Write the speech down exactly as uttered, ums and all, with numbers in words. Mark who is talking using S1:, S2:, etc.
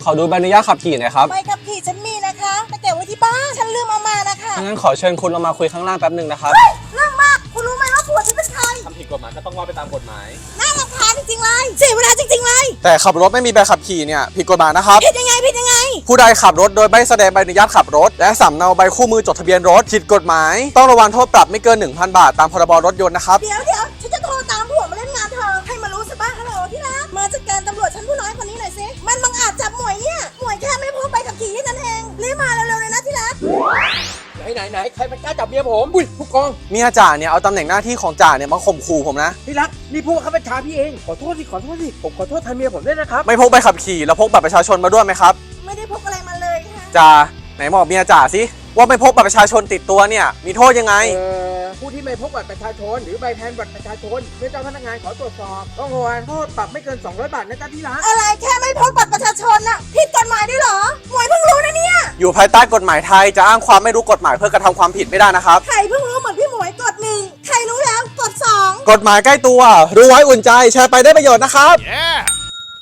S1: ขอดูใบอนุญาตขับขี่หน่อยครับ
S2: ใบขับขี่ฉันมีนะคะแต่เก็บไว้ที่บ้านฉันลืมเอามานะคะ
S1: งั้นขอเชิญคุณลงมาคุยข้างล่างแป๊บหนึ่งนะครับ
S2: เรื่องมากคุณรู้ไหมว่าผัวฉันเป็นใคร
S3: ทำผิดกฎหมายก็ต้องว่าไปตามกฎหมาย
S2: น่ารำคาญจริงๆเลยเสียเวลาจริงๆเลย
S1: แต่ขับรถไม่มีใบขับขี่เนี่ยผิดกฎหมายนะครับ
S2: ผิดยังไงผิดยังไง
S1: ผู้ใดขับรถโดยไม่แสดงใบอนุญาตขับรถและสำเนาใบคู่มือจดทะเบียนรถผิดกฎหมายต้องระวังโทษปรับไม่เกิน หนึ่งพัน บาทตามพรบรถยนต์นะครับ
S2: เดี๋ยวเดี๋ยวฉันจะโทรตามผัวมาเล่นงานเธอให้มารู้สิบ้างฮัลโหลที่รักมาจัดการตำรวจชั้นผู้น้อยคนนี้หน่อยสิมันบังอาจจับหมวยเนี่ยหมวยแค่ไม่พกใบขับขี่แค่นั้นเองรีบมาเร็วๆเลยนะที่รัก
S3: ไหนไหนไหนใครมันกล้าจับเมียผมอุ้ยผู้กอง
S1: เมียจ่าเนี่ยเอาตำแหน่งหน้าที่ของจ่าเนี่ยมาข่มขู่ผมนะ
S3: พี่รักนี่ผู้บังคับบัญชาพี่เองขอโทษสิขอโทษสิผมขอโทษแทนเมียผมด้วยนะครับ
S1: ไม่พกใบขับขี่แล้วพกบัตรประชาชนมาด้วยไหมครับ
S2: ไม่ได้พกอะไรมาเลยค่ะ
S1: จ่าไหนบอกเมียจ่าสิว่าไม่พกบัตรประชาชนติดตัวเนี่ยมีโทษยังไง
S3: เอ่อผู้ที่ไม่พกบัตรประชาชนหรือใบแทนบัตรประชาชนเมื่อเจ้าพนักงานขอตรวจสอบต้องระวังโทษปรับไม่เกินสองร้อยบาทนะจ๊ะที่รัก
S2: อะไรแค่ไม่พกบัตรประชาชนน่ะผิดกฎหมายด้วยเหรอหมวยเพิ่งรู้นะเนี่ย
S1: อยู่ภายใต้กฎหมายไทยจะอ้างความไม่รู้กฎหมายเพื่อกระทำความผิดไม่ได้นะครับ
S2: ใครเพิ่งรู้เหมือนพี่หมวยกดหนึ่งใครรู้แล้วกดสอง
S1: กฎหมายใกล้ตัวรู้ไว้อุ่นใจแชร์ไปได้ประโยชน์นะครับ
S4: yeah